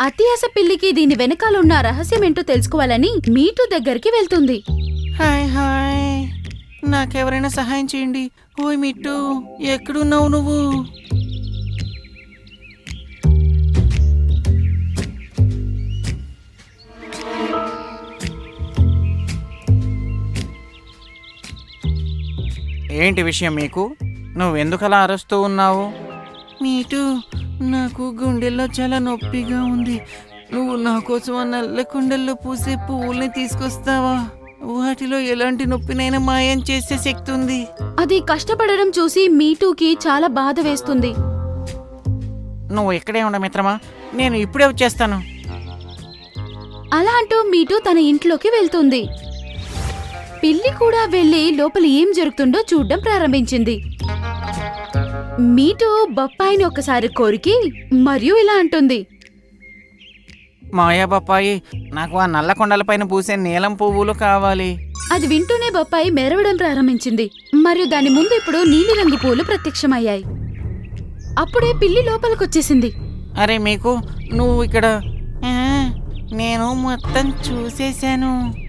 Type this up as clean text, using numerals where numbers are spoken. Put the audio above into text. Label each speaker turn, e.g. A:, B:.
A: అతి ఆశ పిల్లికి దీని వెనకాలన్న రహస్యమేంటో తెలుసుకోవాలని మీటు దగ్గరికి వెళ్తుంది.
B: హాయ్ హాయ్, నాకెవరైనా సహాయం చేయండి. ఓయ్ మిట్టు, ఎక్కడున్నావు నువ్వు? ఏంటి విషయం మీకు? నువ్వెందుకు అలా అరుస్తూ ఉన్నావు? మీటు, నాకు గుండెల్లో చాలా నొప్పిగా ఉంది. నువ్వు నా కోసం ఆ నల్ల కుండల్లో పూసే పువ్వుల్ని తీసుకొస్తావా? వాటిలో ఎలాంటి నొప్పినైనా మాయం చేసే శక్తి ఉంది.
A: అది కష్టపడడం చూసి మీటూకి చాలా బాధ వేస్తుంది.
B: నువ్వు ఇక్కడే ఉండ మిత్రమా, నేను ఇప్పుడే వచ్చేస్తాను.
A: అలా అంటూ మీటు తన ఇంట్లోకి వెళ్తుంది. పిల్లి కూడా వెళ్లి లోపల ఏం జరుగుతుందో చూడ్డం ప్రారంభించింది. మీటు బొప్పాయిని ఒకసారి కొరికి మరియు ఇలా అంటుంది.
B: మాయా బొప్పాయి, నాకు ఆ నల్ల కొండలపైన పూసే నీలం పువ్వులు కావాలి.
A: అది వింటూనే బొప్పాయి మెరవడం ప్రారంభించింది మరియు దాని ముందు ఇప్పుడు నీలిరంగు పూలు ప్రత్యక్షమయ్యాయి. అప్పుడే పిల్లి లోపలికొచ్చేసింది.
B: అరే మీకు, నువ్వు ఇక్కడ? నేను మొత్తం చూసేశాను.